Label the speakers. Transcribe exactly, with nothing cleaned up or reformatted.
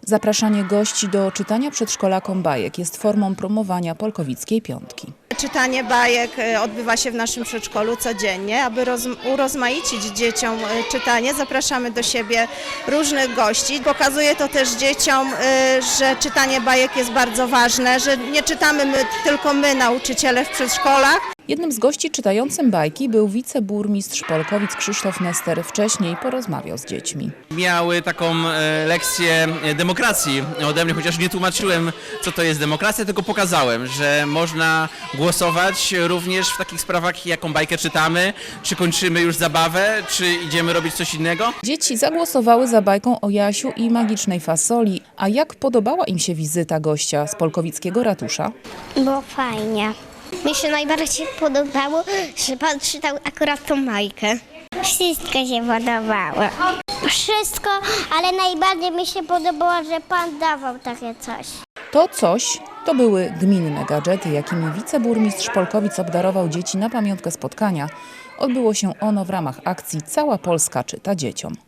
Speaker 1: Zapraszanie gości do czytania przedszkolakom bajek jest formą promowania Polkowickiej Piątki.
Speaker 2: Czytanie bajek odbywa się w naszym przedszkolu codziennie. Aby urozmaicić dzieciom czytanie, zapraszamy do siebie różnych gości. Pokazuje to też dzieciom, że czytanie bajek jest bardzo ważne, że nie czytamy my, tylko my, nauczyciele w przedszkolach.
Speaker 1: Jednym z gości czytającym bajki był wiceburmistrz Polkowic Krzysztof Nester. Wcześniej porozmawiał z dziećmi.
Speaker 3: Miały taką lekcję demokracji ode mnie, chociaż nie tłumaczyłem, co to jest demokracja, tylko pokazałem, że można głosować również w takich sprawach, jaką bajkę czytamy, czy kończymy już zabawę, czy idziemy robić coś innego.
Speaker 1: Dzieci zagłosowały za bajką o Jasiu i magicznej fasoli. A jak podobała im się wizyta gościa z polkowickiego ratusza?
Speaker 4: Było fajnie. Mi się najbardziej podobało, że pan czytał akurat tą bajkę. Wszystko się podobało. Wszystko, ale najbardziej mi się podobało, że pan dawał takie coś.
Speaker 1: To coś to były gminne gadżety, jakimi wiceburmistrz Polkowic obdarował dzieci na pamiątkę spotkania. Odbyło się ono w ramach akcji Cała Polska czyta dzieciom.